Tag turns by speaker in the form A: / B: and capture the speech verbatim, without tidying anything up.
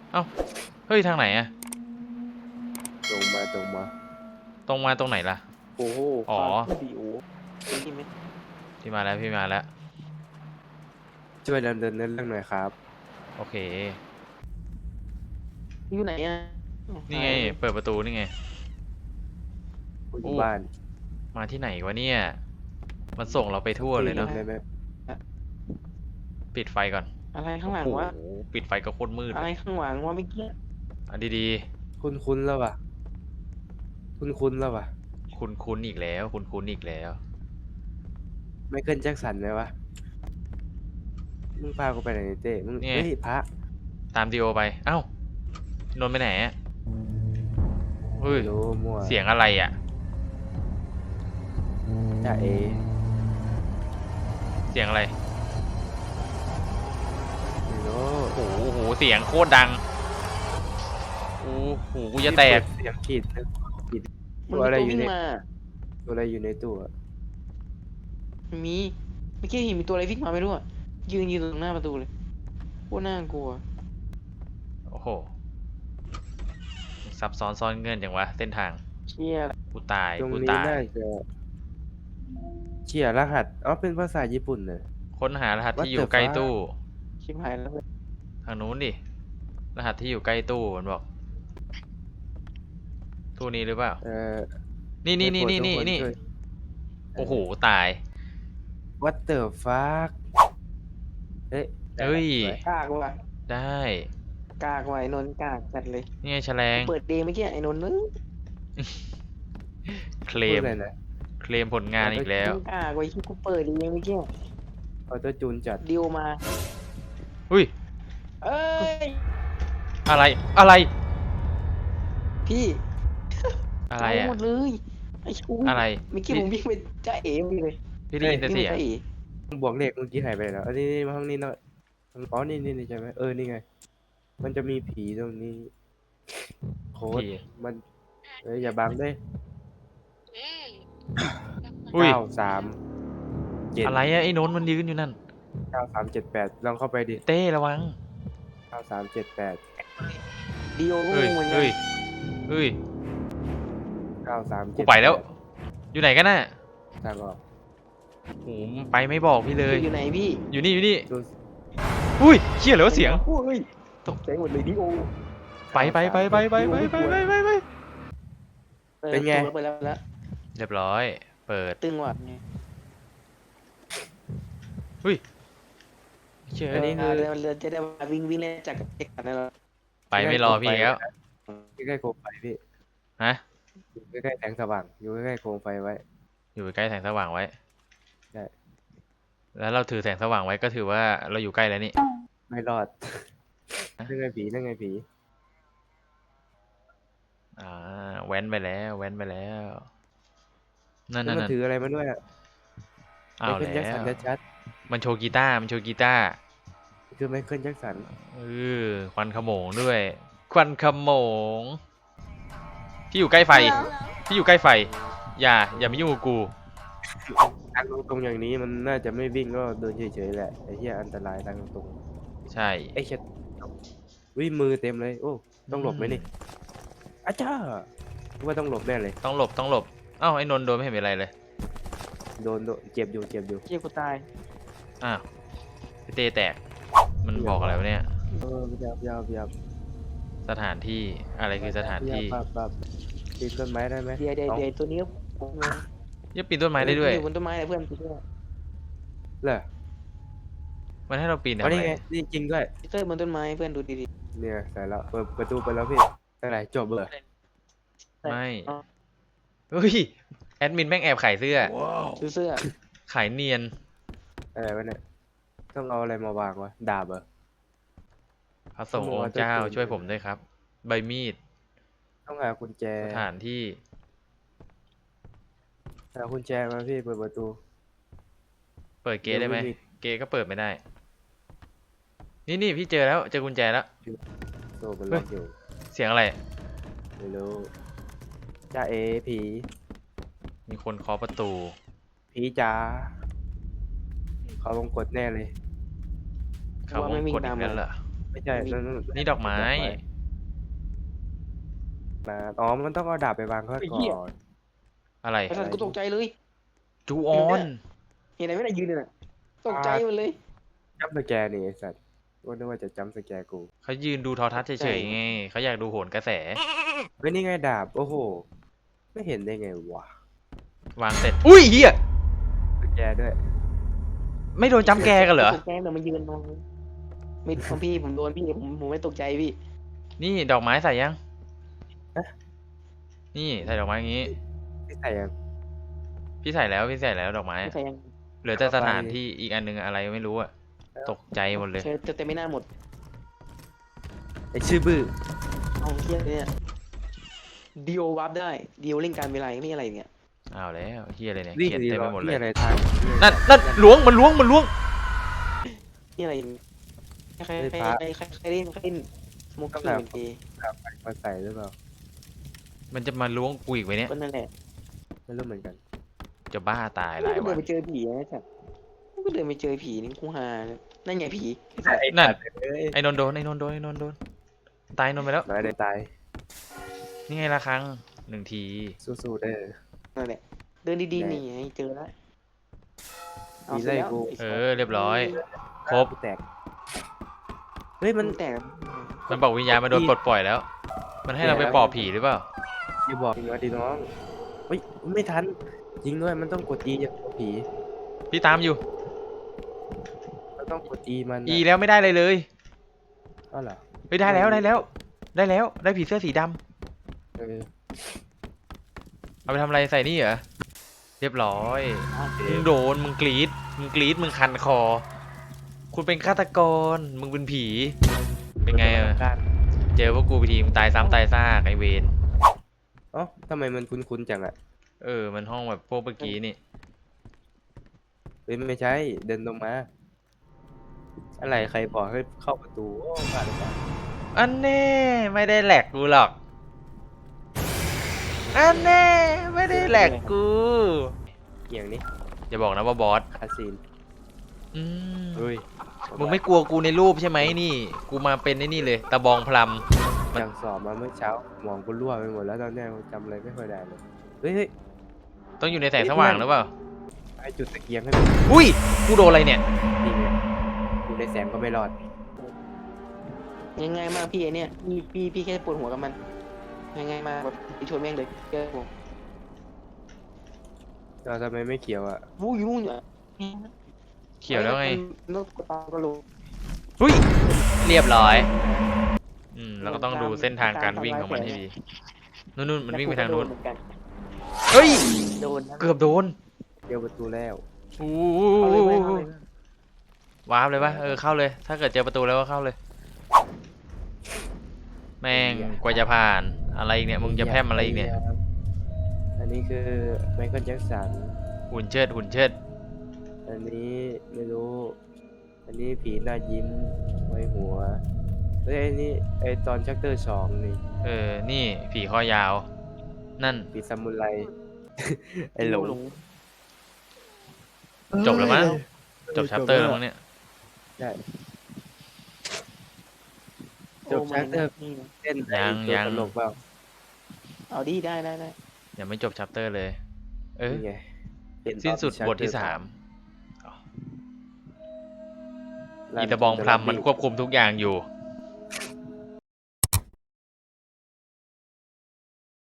A: เอ้าเฮ้ยทางไหนอะ
B: ตรงมาตรงมา
A: ตรงมาตรงไหนล่ะ
B: โอ้โห
A: อ๋อ
B: ฟาดวิดีโอนี่ไหม
A: พี่มาแล้วพี่มาแล้ว
B: ช่วยดำเนินเรื่องหน่อยครับ
A: โอเค
B: อยู่ไหนอ่ะ
A: นี่ไงเปิดประตูนี่ไง
B: อยู่
A: อู้
B: บ้าน
A: มาที่ไหนวะเนี่ยมันส่งเราไปทั่วเลยเนาะ
B: ได้ไหม
A: ปิดไฟก่อน
B: อะไรข้างหลัง
A: โอ้โห
B: วะ
A: ปิดไฟก็โคตรมืด
B: อะไรข้างหลังวะเมื่อกี้
A: อ่ะดี
B: คุ้นคุ้นแล้ววะคุ้นคุ้นแล้ววะ
A: ๆคุ้นคุ้นอีกแล้วคุ้นคุ้นอีกแล้ว
B: ไมเคิลแจ็คสันไหมวะมึงพากูไปไหนเต้มึง
A: นี่ไง
B: เฮ้ยพระ
A: ตามดีโอไปเอ้านนท์ไปไหนอะเฮ้ย
B: ไม่รู้มั่ว
A: เสียงอะไรอ่ะ
B: จ่าเอ
A: เสียงอะไร
B: ไม่รู้
A: โอ้โหโหเสียงโคตรดังโอ้โหกูจะแตก
B: เสียงขีดนะขีด
C: มั
B: ตั
C: น
B: ว
C: มี
B: อะไร
C: ตัว
B: อยู่
C: วิ่ง
B: ใน
C: มา
B: ตัวอะไรอยู่ในตู้อะ
C: มันมีเมื่อกี้เห็นมีตัวอะไรวิ่งมาไม่รู้อ่ะยืนยืนตรงหน้าประตูเลยโคตรน่ากลัว
A: โอ้โหซับซ้อนซ่อนเงื่อนจังวะเส้นทาง
C: เชี่ย
A: กูตาย
B: ตรง
A: กู
B: นี้
A: ตาย
B: น่าจะเขียนรหัสอ๋อเป็นภาษาญี่ปุ่นเลย
A: ค้นหารหัส
B: What
A: ที่อยู่
B: the
A: ใกล้
B: fuck
A: ตู้
C: ชิบหายแล้วเว้ย
A: ทางนู้นดิรหัสที่อยู่ใกล้ตู้มันบอกตู้นี้หรือเปล่า
B: เอ่อ
A: นี่นี่นี่
B: ได้
A: นี่
B: โปรด
A: นี่
B: ทุกค
A: นี่
B: ช่วย
A: โอ้โหตาย
B: What the fuck เอ๊ะ
A: เฮ้ย
B: สวย
C: กากว่ะ
A: ได้
C: กากว่ะไอ้นนท์กากจัดเลย
A: นี่ไงแฉลง
C: เปิดเดย์เมื่อกี้ไอ้นนท์นึง
A: เคล
B: พูด
A: ม
B: อะไรนะ
A: เคลมผลงานอีกแล้ว
C: กากว่ะที่กูเปิดเดย์เมื่อกี้
B: ออโต้จูนจัด
C: ดิวมา
A: อุ้ย
C: เอ้ย
A: อะไรอะไร
C: พี่
A: อะไร
C: เอา
A: อะ
C: หมดเลยไอ้ชู
A: อะไร
C: เมื่อกี้ผมวิ่งไปจ้าเอ๋ไปเลย
A: พี่ได้ยินแต่
C: วิ่ง
A: เสี
C: ไป
A: ยง
C: จ้าเอ๋
B: บวกเลขเมื่อกี้หายไปแล้วอันนี้นี่มาห้องนี้หน่อยอ๋อนี่นี่นี่ใช่ไหมเออนี่ไง มันจะมีผีตรงนี้โค้ด
A: ผี
B: มันเอ้ยอย่าบังด้วย
A: อุ้ย
B: เก้าสามเจ็ด
A: อะไรอะไอ้โน้นมันยืนอยู่นั่น
B: เก้าสามเจ็ดแปดลองเข้าไปดิ
A: เต้ระวัง
B: เก้าสามเจ็ดแปด
C: ดิวก็
A: เฮ้ย
C: งงเหมือนกั
A: เฮ้
C: น
A: ยเฮ้ย
B: เก้าสาม
A: กูไปแล้ว อยู่ไหนกันน่ะ
B: ทางออก
A: โหไปไม่บอกพี่เลย
C: อยู่ไหนพี่
A: อยู่นี่อยู่นี่
B: ดู
A: อุ้ยเชี่ยเหรอเสียง
C: โอ้ยตกใจหมดเลยดิโอ
A: ไปไปไปไปไปไปไปไปไปไป
B: เป็นไง
C: เปิดแล้วเปิดแล้ว
A: เรียบร้อย เปิด
C: ตึงว่ะไง
A: อุ้ยเชี่ย
B: อันนี้
C: อ่าเรือเรือจะได้มาวิ่งวิ่งเล่นจากเด็กกันนั่นแหละ
A: ไปไม่รอพี่แล้ว
B: ใกล้ๆโคมไฟพี่
A: ฮะ
B: อยู่ใกล้ๆแสงสว่างอยู่ใกล้ๆโคมไฟไว้
A: อยู่ใกล้แสงสว่างไว้
B: ใช่
A: แล้วเราถือแสงสว่างไว้ก็ถือว่าเราอยู่ใกล้แล้วนี่
B: ไม่รอดนั่นไงผีนั่นไงผี
A: อ่าแว้นไปแล้วแว้นไปแล้ว นั่น
B: แล้ว
A: นั่น
B: มัน
A: นั่น
B: ถืออะไรมาด้วยอ่ะ
A: อ้าว
B: ไมเคิล
A: แล้
B: แจ็คสัน
A: ว
B: ชัด
A: มันโชว์กีตาร์มันโชว์กีตาร์
B: ๆคือไมเคิลแจ็คสัน
A: เออควันขโมงด้วย ควันขโมง พี่อยู่ใกล้ไฟ พี่อยู่ใกล้ไฟ อย่า อย่ามายุ่งกับกู
B: ทางตรงๆอย่างนี้มันน่าจะไม่วิ่งก็เดินเฉยๆแหละไอ้เหี้ยอันตรายทางตรง
A: ใช่
B: ไอ้เช็ดวิมือเต็มเลยโอ้ต้องหลบไหมนี่อาจ้าว่าต้องหลบแน่เลย
A: ต้องหลบต้องหลบเอ้าไอ้นนท์โดนไม่เห็นเป็นไรเลย
B: โดนโดนเจ็บอยู่เจ็บอยู่
C: เชี่ยกูตาย
A: อ้าวพี่เต้แตก มันบอกอะไรวะเนี่ย
B: เออยับยับยับ
A: สถานที่อะไรคือสถานที่
B: ยับปับปีนต้นไม้ได้ไหม
C: เดี๋ยวเดี๋ยว
B: อา
C: เดี๋ยวตัวนี้
A: ยับปีนต้นไม้ได้ด้วย
C: อยู่บนต้นไม้เลยเพื่อนกูช่วย
B: เหรอ
A: มันให้เราปีน
B: อ๋
A: ทำ
B: อ
A: ไม
B: นี่ไงนี่จริงด้วย
C: เต้ยบนต้นไม้เพื่อนดูดี
B: เนี่ยใส่แล้วเปิดประตูไปแล้วพี่อะไรจบเลย
C: ๆ
A: ไม่
C: อ๋อ
A: เฮ้ย แอดมินแม่งแอบขายเสื้อ
C: ซื้อเสื้อ
A: ขายเนียน
B: อะไรวะเนี่ยต้องเอาอะไรมาวางวะดาบเหรอ
A: พระสงฆ์องค์เจ้าช่วยผมด้วยครับ ใบมีด
B: ต้องหากุญแจ
A: สถานที่
B: หากุญแจมาพี่เปิดประตู
A: เปิดเกตได้ไหม
B: เดี๋ยวไม่มี
A: เกตก็เปิดไม่ได้ นี่นี่พี่เจอแล้วเจอกุญแจแล้ว
B: โซ่มันล็อกอยู่
A: เสียงอะไร
B: ไม่รู้จ้าเอผี
A: มีคนเคาะประตู
B: ผีจ๋าเขาลงกดแน่เลย
A: เขาวงกดอีกแล้วเหรอ
B: ไม่ใช่นั่นนั่น
A: นี่ดอกไม้
B: นะอ๋อมันต้องเอาดาบไปวางก่อนก่อน
A: อะไร
C: ไอ้สัตว์กูตกใจเลย
A: จูออน
C: เห็นอะไรไม่ได้ยืนเลยน่ะตกใจหมดเลย
B: จัมป์สแกร์นี่ไอ้สัตว์ว่านึกว่าจะจัมป์สแกร์กู
A: เขายืนดูโทอทัศน์เฉยๆไงเขาอยากดูโหนกระแส
B: เฮ้ยนี่ไงดาบโอ้โหไม่เห็นได้ไงวะ
A: วางเสร็จ อุ้ยเฮีย
B: สแกร์ด้วย
A: ไม่โดนจำแกกันเหรอ
C: ตกใจแต่มันยืนมองไม่ของพี่ผมโดนพี่ผมผมไม่ตกใจพี่
A: นี่ดอกไม้ใส่ยัง
B: ฮะ
A: นี่ใส่ดอกไม้อย่างงี้
B: ที่ใส่ยัง
A: พี่ใส่แล้วพี่ใส่แล้วดอกไม้
C: ไม่ใช่ยัง
A: เหลือแต่สถานที่อีกอันหนึงอะไรไม่รู้อะตกใจหมดเลย
C: เชิญจะเต็มไม่น่าหมด
B: ไอชื่อบื้อ
C: เอาเทียเนี่ยดีโอวับได้ดีโอเล่นการเวลาไม่อะไรเนี่ย
A: อ้าวแล้วเฮียอะไรเนี่ย
B: นี่
A: เขียน
B: ดี
A: เต็ม
B: หร
A: ไป
B: อ
A: หมดเล
B: นี่
A: ย
B: อะไรทาง
A: นั่นนั่นล้วงมันล้วงมันล้วง
C: นี่อะไรใครใครใครใครใครเล่นใครเล่นสโมกกี้เป็นเกย์
B: มาใส่หรือเปล่า
A: มันจะมาล้วงกูอีกไหมเนี่ย
C: ก็นั่นแหละ
B: ไม่รู้เหมือนกัน
A: จะบ้าตายหลาย
C: ก็
A: วั
C: เดิน
A: น
C: ไปเจอผีนะจ๊ะก็เดินไปเจอผีนี่กูหานั่นไงผี
A: นั่น
B: เอ้ย
A: ไอ้นนท์โดนไอ้นนท์โดนไอ้นนท์โดนตายนนท์ไปแล้ว
B: น้อยได้ตาย
A: นี่ไงละครั้งหนึ่งที
B: สู้ๆเด้อ
C: นั่นแหละเดินดีๆนี่ไงเจอแล้วเอา
B: มี
C: เสร็
B: ไล่
C: จแล้ว
B: กู
A: เออเรียบร้อย ครบ
B: แตกเฮ้ย
C: มั
B: มัน น
C: แตก
A: มันบอกวิญญาณมาโดนปลดปล่อยแล้ว มันให้เราไปปอบผีหรือเปล่า
B: อย่าบอกจริงว่าดีน้องเฮ้ยไม่ทันจริงด้วยมันต้องกดจีอย่างผี
A: พี่ตามอยู่
B: มันต้องกดจีมัน
A: อีแล้วไม่ได้เลยเลย
B: อ๋อเหรอ
A: เฮ้ยได้แล้วได้แล้ว ได้แล้วได้ผีเสื้อสีดำ
B: เออ
A: เอาไปทำอะไรใส่นี่เหรอเรียบร้อยมึงโดนมึงกรีดมึงกรีดมึงคันคอ คุณเป็นฆาตกรมึงเป็นผี เป็นไงอะ
B: การ
A: เจอพวกกูไปทีมึงตายซ้ำตายซากไอเวน
B: อ๋อทำไมมันคุ้นๆจังอะ
A: เออมันห้องแบบพวกเมื่อกี้นี่
B: เฮ้ยไม่ใช่เดินลงมา อะไรใครบอกให้เข้าประตูโอ้พลาดหรือเปล่า
A: อันแน่ไม่ได้แหลกกูหรอกอันแน่ไม่ได้แหลกกู
B: อย่างนี้
A: อย่าบอกนะว่าบอส
B: คาซีน
A: อืม
B: เฮ้ย
A: มึงไม่กลัวกูในรูปใช่ไหมนี่ กูมาเป็นไอ้นี่เลยตะบองพลัม มัน
B: จังสอบมาเมื่อเช้าหมองกูรั่วไปหมดแล้วตอนเนี้ยกูจำอะไรไม่ค่อยได้เลยเฮ้ยเฮ้ย
A: ต้องอยู่ในแสงสว่างหรือเปล่า
B: ไอจุดตะเกียงให้มัน
A: อุ้ยกูโดนอะไรเนี่ย
B: ดีไงอยู่ในแสงก็ไม่รอด
C: ง่ายๆมากพี่ไอเนี่ยพี่พี่พี่แค่ปวดหัวกับมันง่ายๆมากแบบไปชวนแม่งเลยเจอผม
B: เราทำไมไม่เขียวอ่ะ
C: วู้ยนู่นอยู่อะ
A: เขียวแล้วไง
C: นกกระตาก็รู้
A: อุ้ยเรียบร้อย อืมเราก็ต้องดูเส้นทางการวิ่งของมันให้ดีนู่นนู่นมันวิ่งไปทางนู้น
C: แล้วกูก็โดเหมือกัน
A: เฮ้ย
C: โดนนะ
A: เกือบโดน
B: เดียวประตูแล้ว
A: อู้
C: เอาเลยเว้ยเอาเลย
A: วาร์ปเลยปะเออเข้าเลย ถ้าเกิดเจอประตูแล้วก็เข้าเลย แม่งกว่าจะผ่านอะไรอีกเนี่ยมึงจะแพร่มอะไรอีกเนี่ย
B: อันนี้คือไมเคิลแจ็คสัน
A: หุ่นเชิดหุ่นเชิด
B: อันนี้ไม่รู้ อันนี้ผีหน้ายิ้มไว้หัวเฮ้ยไอ้นี่ไอตอนชักเตอร์สองนี่
A: เออนี่ผีคอยาว นั่น
B: ผีซามูไร ไอหลง
A: จบแล้วมั้ง จบชัปเตอร์แล้วมั้งเนี่ย
B: ใช่
C: โอ้
B: จบ chapter
C: นี่
B: เต้น
A: ยัง
B: ไอ้ตัว
A: ยัง
B: ตลกเปล่า
C: เอาดีได้ได้ได้
A: ยังไม่จบชัปเตอร์เลย เออ
B: นี่ไงเห็ตอ
A: สิ้นสุด
B: chapter
A: บทที่สาม
B: ลั่
A: อี
B: น
A: ตาบองพลัมมัน
B: ลั่
A: ควบคุมทุกอย่างอยู่